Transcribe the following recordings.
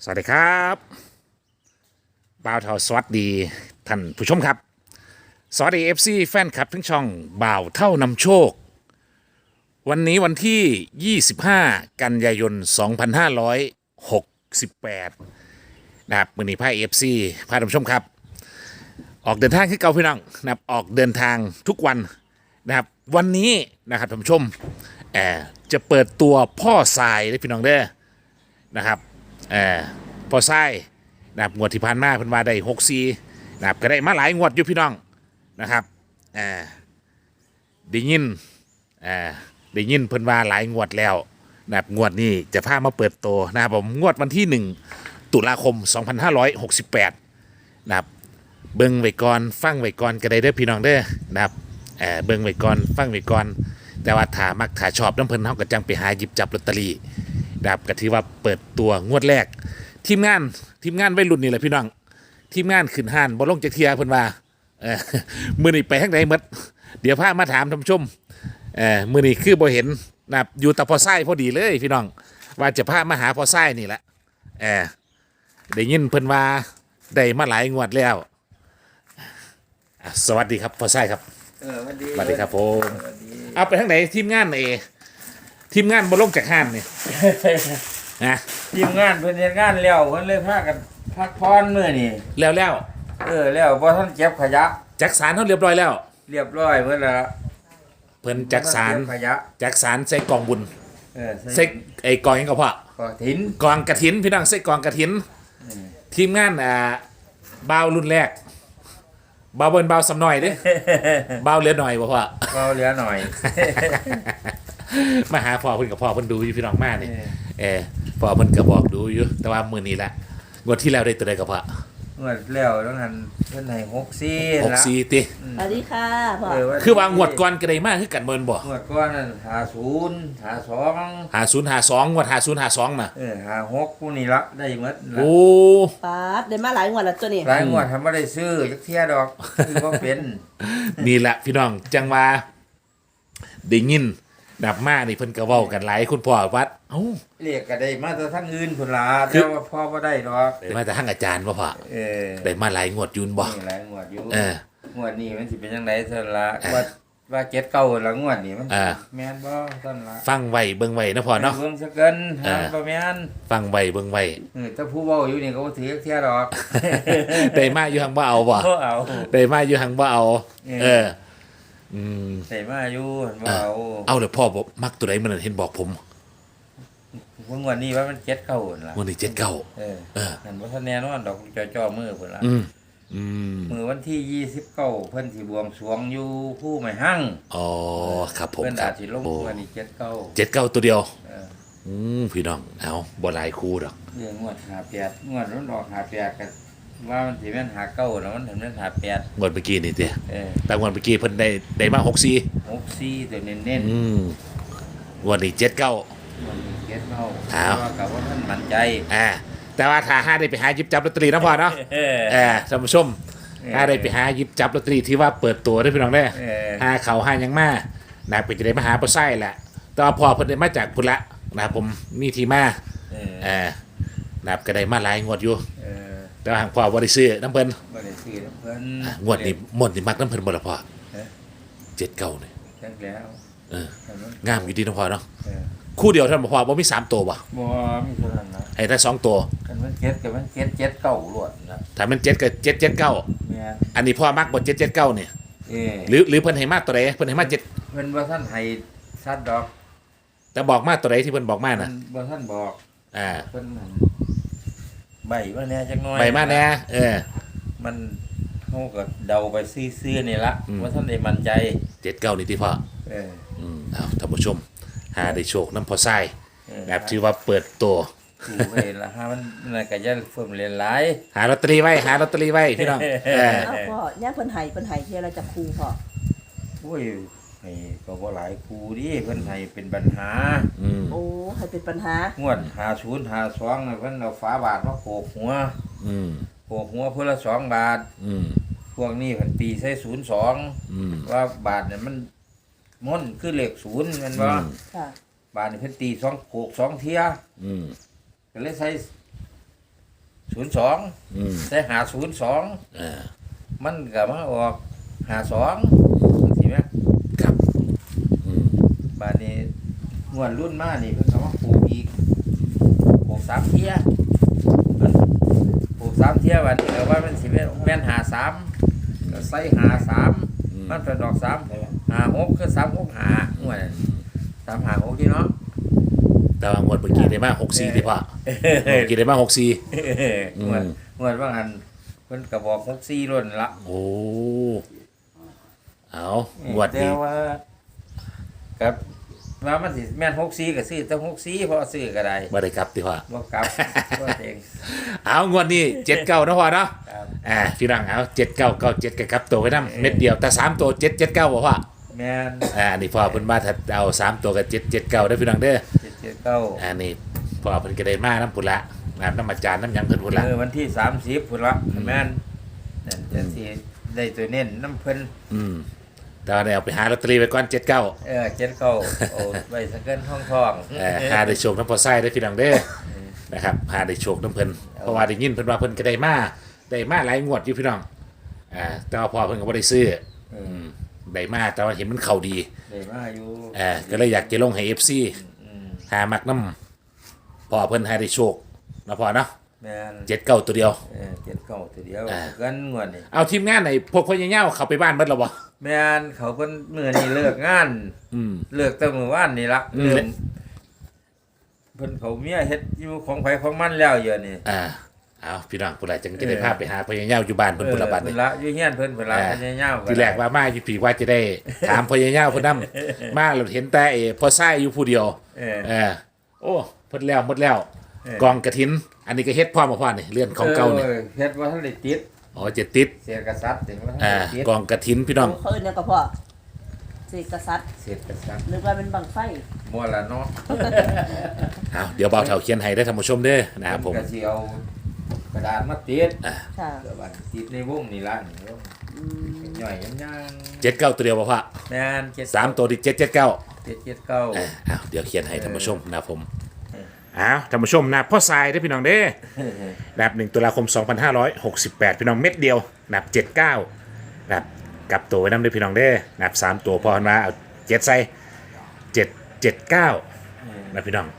สวัสดีครับบ่าวเทาสวัสดีท่านผู้ชมครับสวัสดีFC แฟนคลับทั้งช่องบ่าวเท่านำโชควันนี้วันที่ 25 กันยายน 2568นะครับมื้อนี้พา FC พาท่านผู้ชมครับออกเดินทางที่เก่าพี่น้องนะครับออกเดินทางทุกวันนะครับวันนี้นะครับท่านผู้ชมจะเปิดตัวพ่อทรายได้พี่น้องเด้อนะครับพอไส้นะครับงวดที่ผ่านมาเพิ่นว่าได้64นะครับก็ได้มาหลายงวดอยู่พี่น้องนะครับได้ยินได้ยินเพิ่นว่าหลายงวดแล้วนะครับงวดนี้จะพามาเปิดตัวนะครับผมงวดวันที่1ตุลาคม2568นะครับเบิ่งไว้ก่อนฟังไว้ก่อนก็ได้เด้อพี่น้องเด้อนะครับเบิ่งไว้ก่อนฟังไว้ก่อนแต่ว่าถ้ามักถ้าชอบน้ำเพิ่นเฮาก็จังไปหาหยิบจับลอตเตอรี่นะครับก็ถือว่าเปิดตัวงวดแรกทีมงานวัยรุ่นนี่แหละพี่น้องทีมงานขึ้นห้านบ่ลงจากเทียเพิ่นว่ามื้อนี้ไปทางใดหมดเดี๋ยวพามาถามท่านผู้ชมมื้อนี้คือบ่เห็นนะครับอยู่แต่พอไส้พอดีเลยพี่น้องว่าจะพามาหาพอไส้นี่แหละได้ยินเพิ่นว่าได้มาหลายงวดแล้วสวัสดีครับพอไส้ครับสวัสดีครับผมเอาไปทางไหนทีมงานทีมงานบ่ลงจากห้านนี่นะทีมงานเพิ่นเฮ็ดงานแล้วเพิ่นเลยพากันพักผ่อนมื้อนี้แล้วแล้วบ่ทันเก็บขยะจักสารเฮาเรียบร้อยแล้วเรียบร้อยเพิ่นละเพิ่นจักสารขยะจักสารใส่กองบุญใส่ไอ้กองหยังก็พอกองถินกองกฐินพี่น้องใส่กองกฐินทีมงานบ่าวรุ่นแรกบ่าวเบิ่นบ่าวสำน้อยเด้บ่าวเหลือหน่อยบ่พ่อเบาเหลือหน่อยมาหาพ่อเพิ่นกับพ่อเพิ่นดูอยู่พี่น้องมานี่พ่อเพิ่นก็บอกดูอยู่แต่ว่ามื้อนี้ละงวดที่แล้วได้ตัวใดก็พ่องวดแล้วต้องหันเพิ่นให้64ละ 64ติสวัสดีค่ะพ่อคือว่างวดก่อนก็ได้มาคือกันเบิ่นบ่งวดก่อนนั่น 50 52งวด50 52น่ะ 56ผู้นี้ละได้หมดโอ้ปาดได้มาหลายงวดแล้วตัวนี้หลายงวดทำบ่ได้ซื้อจักเที่ยดอกคือบ่เป็นนี่แหละพี่น้องจังว่าได้ยินดับมานี่เพิ่นก็เว้ากันหลายคุณพ่อวัดเรียกก็ได้มาแต่ทางอื่นพุ่นล่ะแต่ว่าพ่อบ่ได้ดอกได้มาแต่ทางอาจารย์บ่พ่อได้มาหลายงวดยุนบ่หลายงวดอยู่งวดนี้มันสิเป็นจังได๋ซั่นล่ะว่า7 9ละงวดนี้มันแม่นบ่ซั่นล่ะฟังไว้เบิ่งไว้นะพ่อเนาะเบิ่งซะเกินบ่แม่นฟังไว้เบิ่งไว้ถ้าผู้เว้าอยู่นี่ก็บ่ถือเที่ยดอกได้มาอยู่หังบ่เอาบ่เอาได้มาอยู่หังบ่เอาใส่มาอยู่ว่าเอาเดี๋ยวพ่อบอกมักตัวไหนมันเห็นบอกผมวันนี้ว่ามัน7 9ล่ะวันนี้นั่นบ่ทันแน่นอนดอกจ่อมือพุ่นล่ะมื้อวันที่29เพิ่นสิบวงสรวงอยู่ผู้ไม้หั่งอ๋อครับผมเพิ่นอาจสิลงวันนี้ 79ตัวเดียวพี่น้องเอาบ่หลายคู่ดอกงวด58งวดมันออก58กันว่ามันสิแม่น59แล้วมันถึงแม่น58 งวดเมื่อกี้นี่ติแต่งวดเมื่อกี้เพิ่นได้มา 64ตัวเน้นงวดนี้79 วันนี้79 ว่ากับว่าท่านมั่นใจแต่ว่าถ้าได้ไปหาหยิบจับลอตเตอรี่นะพ่อเนาะท่านผู้ชมถ้าได้ไปหาหยิบจับลอตเตอรี่ที่ว่าเปิดตัวได้พี่น้องได้หาเขาหายังมานะเป็นจะได้มาหาปลาไส้แหละแต่ว่าพ่อเพิ่นได้มาจากพุ่นละนะผมมีที่มานะก็ได้มาหลายงวดอยู่แต่ว่าหางพ่อบ่ได้ซื้อน้ำเพิ่นบ่ได้ซื้อน้ำเพิ่นงวดนี้มักน้ำเพิ่นบ่ล่ะพ่อ79นี่จังแล้วงามอยู่ดีนะพ่อเนาะคู่เดียวท่านพ่อบ่มี3ตัวบ่มีเท่านั้นนะให้ได้2ตัวกันมัน7กับมัน7 9ล้วนนะถ้ามัน7ก็779อันนี้พ่อมักบ่779นี่หรือเพิ่นให้มากตัวใดเพิ่นให้มา7 เพิ่นบ่ทันให้ซัดดอกแต่บอกมาตัวใดที่เพิ่นบอกมาน่ะบ่ทันบอกเพิ่นใบมาแน่จักหน่อยใบมาแน่มันเฮาก็เดาไปซื่อๆนี่ล่ะว่าท่านได้มั่นใจ 79นี่ติพ่อเอาท่านผู้ชมหาได้โชคนำพ่อทรายแบบที่ว่าเปิดตัวถูกเลยละฮะมันน่ะก็จะเพิ่มเรียนหลายหาลอตเตอรี่ไว้พี่น้องพ่อย่าเพิ่นให้เที่ยวเราจะครูพ่อโอ้ยก็บ่หลายครูดิเพิ่นให้เป็นปัญหาโอ้ให้เป็นปัญหางวด50 52น่ะเพิ่นเอาฝาบาทมาโขกหัวโขกหัวเพิ่นละ2 บาทพวกนี้เพิ่นตีใส่02ว่าบาทเนี่ยมันม่อนคือเลข0แม่นบ่บาทนี่เพิ่นตี2โขก2เที่ยก็เลยใส่ 02ใส่502 อ่ามันก็มาออก52สิแม่ครับอืมบาดนี้งวดรุ่นมานี่เพิ่นก็มาปลูกอีกปลูก3เที่ยปลูก3เที่ยบาดนี้ก็ว่ามันสิแม่น53ก็ใส่53มันเป็นดอก3 56คือ365งวด356ที่เนาะแต่ว่างวดเมื่อกี้ได้มา64ที่พ่อเมื่อกี้ได้มา64 งวดว่างันเพิ่นก็บอก64ล้นละโอ้เอางวดแต่นี้ว่ากับว่ามันสิแม่น64ก็ซื้อแต่64เพราะซื้อก็ได้บ่ได้กลับติพ่อบ่กลับบ่เองเอางวดนี้79นะพ่อเนาะครับพี่น้องเอา7997กับตัวไว้นำเม็ดเดียวแต่3ตัว779บ่พ่อแม่นนี่พ่อเพิ่นมาถ้าเอา3ตัวกับ779เด้อพี่น้องเด้อ 779 นี่พ่อเพิ่นก็ได้มาน้ำพุ่นละน้ำอาจารย์น้ำหยังเพิ่นพุ่นละวันที่30พุ่นละแม่นนั่นจังสิได้ตัวเน้นน้ำเพิ่นแต่ว่าได้เอาไปหาลอตเตอรี่ไว้ก่อน79 79โอ้ไว้สักเกินท้องหาได้โชคน้ำพอไส้ได้อพี่น้องเด้อนะครับหาได้โชคน้ำเพิ่นเพราะว่าได้ยินเพิ่นว่าเพิ่นก็ได้มาหลายงวดอยู่พี่น้องแต่ว่าพ่อเพิ่นก็บ่ได้ซื้อได้มาแต่ว่าเห็นมันเข้าดีได้มาอยู่ก็เลยอยากจะลงให้ FC หามักน้ำพ่อเพิ่นหาได้โชคนะพ่อเนาะแม่น 79ตัวเดียว 79ตัวเดียวกันงวดนี่เอาทีมงานไหนพวกพ่อใหญ่ๆเข้าไปบ้านเบิดแล้วบ่แม่นเขาเพิ่นมื้อนี้เลิกงานเลิกแต่มื้อวานนี่ละเพิ่นเขาเมียเฮ็ดอยู่ของไผของมันแล้วอยู่นี่เอาพี่น้องพุ่นละจังจะได้พาไปหาพ่อใหญ่ๆอยู่บ้านเพิ่นพุ่นละบัดเพิ่นี่นละอยู่เฮียนเพิ่นละยาวๆทีแรกว่ามาอยู่ผีว่าจะได้ ถามพ่อใหญ่ๆเพิ่นนำมาเราเห็นแต่พ่อไส้อยู่ผู้เดียวโอ้เพิ่นแล้วหมดแล้วกองกฐิน อันนี้ก็เฮ็ดพร้อมบ่พ่อนี่เรือนของเก่านี่เฮ็ดบ่ทันได้ติดอ๋อจะติดเสียกษัตริย์ถึงว่าทันได้ติดกองกฐินพี่น้องเขาเอิ้นหยังก็พ่อสิกษัตริย์เสียกษัตริย์นึกว่าเป็นบังไฟบ่ละเนาะเอาเดี๋ยวเบาเท่าเขียนให้ได้อท่านผู้ชมเด้อนะครับผมก็สิเอากระดาษมาติดค่ะกระดาษติดในวงนี่ล่ะนี่วงย่อยยัง 79ตัวเดียวบ่พ่อแม่น 3ตัวที่779 779 เดี๋ยวเขียนให้ท่านผู้ชมนะครับผมท่านผู้ชมนะพ่อทรายได้อพี่น้องเด้อนับ1ตุลาคม 2568 พี่น้องเม็ดเดียวนับ79นับกลับตัวไว้นำได้อพี่น้องเด้อนับ3ตัวพอหันมาเอา7ใส่779นะพี่น้อง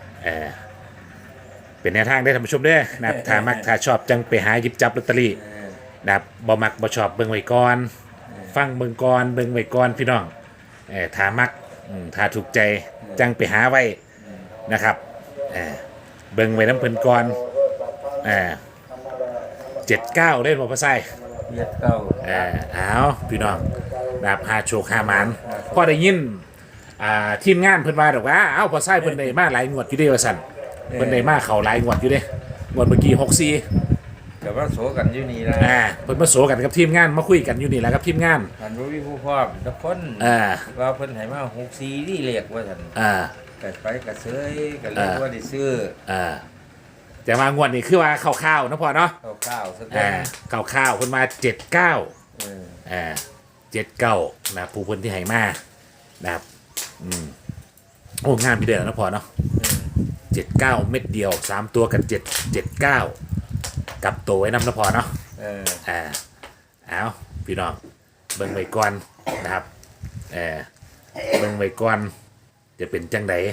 เป็นแนวทางได้อท่านผู้ชมเด้อนับถ้ามักถ้าชอบจังไปหาหยิบจับลอตเตอรี่นับบ่มักบ่ชอบเบิ่งไว้ก่อนฟังเบิ่งก่อนเบิ่งไว้ก่อนพี่น้องถ้ามักถ้าถูกใจจังไปหาไว้นะครับเบิ่งไว้น้ำเพิ่นก่อน79เล่นบ่พ่อไส้เอาพี่น้องดาบหาโชคหาหมานพอได้ยินทีมงานเพิ่นว่าดอกว่าเอ้าพ่อไส้เพิ่นได้มาหลายงวดอยู่เด้ว่าซั่นเพิ่นได้มาเข้าหลายงวดอยู่เด้งวดเมื่อกี้64 แต่ว่าโสกันอยู่นี่ล่ะเพิ่นมาโสกันกับทีมงานมาคุยกันอยู่นี่แหละครับทีมงานท่านบ่มีผู้พร้อมทุกคนว่าเพิ่นให้มา64นี่เรียกว่าซั่นก็ไปก็เซยก็เลยว่าได้ซื้อแต่มางวดนี้คือว่าข้าวๆนะพ่อเนาะข้าวๆสักข้าวๆเพิ่นมา79นะผู้เพิ่นที่ให้มานะครับโอ้งามพี่เด้อนะพ่อเนาะ79เม็ดเดียว3ตัวกัน779กลับตัวไว้นำนะพ่อเนาะเอาพี่น้องเบิ่งไว้ก่อนนะครับเบิ่งไว้ก่อนจะเป็นจังได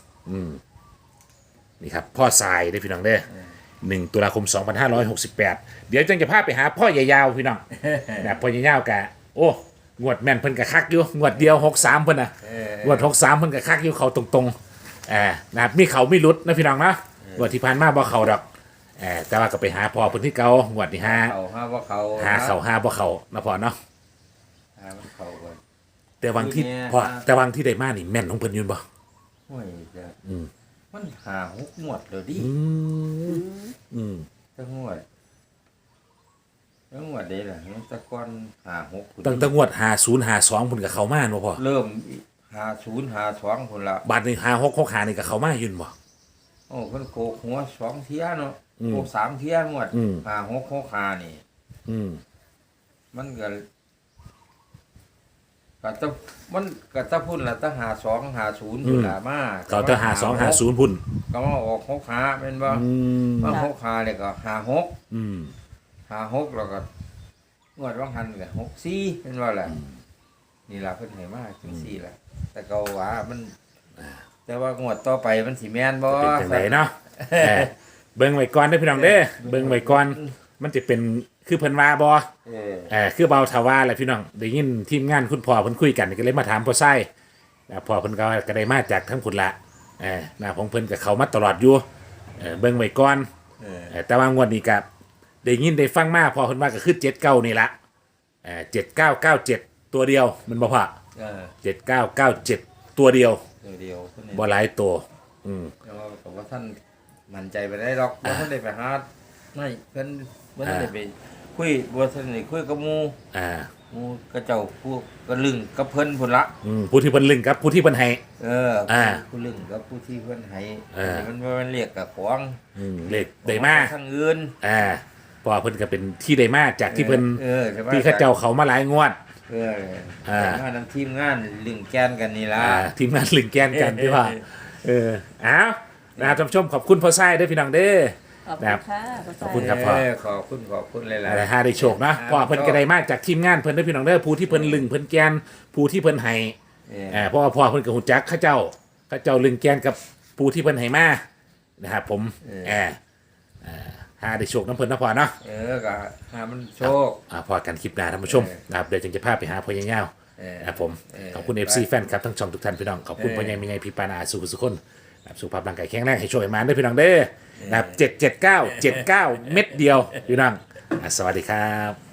นี่ครับพ่อทรายได้พี่น้องเด้อ1ตุลาคม 2568 เดี๋ยวจังจะพาไปหาพ่อใหญ่ยาวพี่น้องนะพ่อใหญ่ยาวกะโอ้งวดแม่นเพิ่นกะคักอยู่งวดเดียว63เพิ่นน่ะงวด63เพิ่นกะคักอยู่เขาตรงๆนะครับมีเขาไม่หลุดนะพี่น้องนะงวดที่ผ่านมาบ่เขาดอกแต่ว่าก็ไปหาพ่อเพิ่นที่เก่างวดที่5 เขาบ่เขาหาบ่เขานะพ่อเนาะเขาแต่บางที่พ่อแต่บางที่ได้มานี่แม่นของเพิ่นอยู่บ่โอ้ยจ้ะมัน5-6งวดแล้วดิจังงวดเด้ล่ะตะกอน5-6 ตั้งแต่งวด5052เพิ่นก็เข้ามาเนาะพ่อเริ่ม50-52พุ่นละบาดนี้5665นี่ก็เข้ามาอยู่บ่โอ้เพิ่นโกกหัว2เที่ยเนาะโกก3เที่ยงวด5-6-65นี่มันก็ก็ต้องมันก็ต้องพุ่นละต้อง5250พุ่นละมาเขาจะ5250พุ่นก็มาออก6ขาเป็นบ่มา6ขาเนี่ยก็56 อืม 56แล้วก็งวดว่างหันก็64เป็นว่าแหละนี่ล่ะเพิ่นให้มาจังซี่ล่ะแต่ก็ว่ามันแต่ว่างวดต่อไปมันสิแม่นบ่เป็นจังไดเนาะเบิ่งไว้ก่อนเด้อพี่น้องเด้อเบิ่งไว้ก่อนมันจะเป็นคือเพิ่นว่าบ่ คือเบาทว่าแหละพี่น้องได้ยินทีมงานคุณพ่อเพิ่นคุยกันก็เลยมาถามพ่อไส้พ่อเพิ่นก็ได้มาจากทั้งพุ่นละนะของเพิ่นกับเขามาตลอดอยู่เบิ่งไว้ก่อนแต่ว่างวดนี้ก็ได้ยินได้ฟังมาพ่อเพิ่นว่าก็คือ79นี่ละ7997ตัวเดียวมันบ่พอ7997ตัวเดียวเดียวเพิ่นบ่หลายตัวแต่ว่าผมว่าท่านมั่นใจไปได้หรอกว่าท่านได้ไปหาไม่เพิ่นบ่ทันได้ไปคุยบ่ทันได้คุยกับหมู่หมู่ก็เจ้าผู้ก็ลึงกับเพิ่นพุ่นละผู้ที่เพิ่นลึงกับผู้ที่เพิ่นให้ผู้ลึงกับผู้ที่เพิ่นให้มันบ่แม่นเรียกกับของเลขได้มาทางอื่นเพราะว่าเพิ่นก็เป็นที่ได้มาจากที่เพิ่นใช่ไหมที่เขาเจ้าเขามาหลายงวดมานำทีมงานลึงแกนกันนี่ล่ะทีมงานลึงแกนกันที่ว่าเอานะครับท่านผู้ชมขอบคุณพ่อไส้ด้วยพี่น้องเด้อขอบคุครัณบค่ะขอบคุณครับพ่อขอบคุณหลายอะไรฮะได้โชคนะพ่อเพิ่นก็ได้มาจากทีมงานเพิ่นด้วยพี่น้องเด้อผู้ที่เพิ่นลึงเพิ่นแกนผู้ที่เพิ่นให้เพราะว่าพ่อเพิ่นก็ฮู้จักเขาเจ้าลึงแกนกับผู้ที่เพิ่นให้มานะครับผมหาได้โชคน้ำเพิ่นนะพ่อเนาะก็หามันโชคพอกันคลิปหน้าท่านผู้ชมนะครับเดี๋ยวจึงจะพาไปหาพ่อใหญ่เงานะครับผมขอบคุณ FC แฟนครับทั้งช่องทุกท่านพี่น้องขอบคุณพ่อใหญ่แม่ใหญ่พี่ปานาสุขคนสุขภาพร่างกายแข็งแรงให้โชคให้มาด้วยพี่น้องเด้อนะครับ779 79 เม็ดเดียวพี่น้องสวัสดีครับ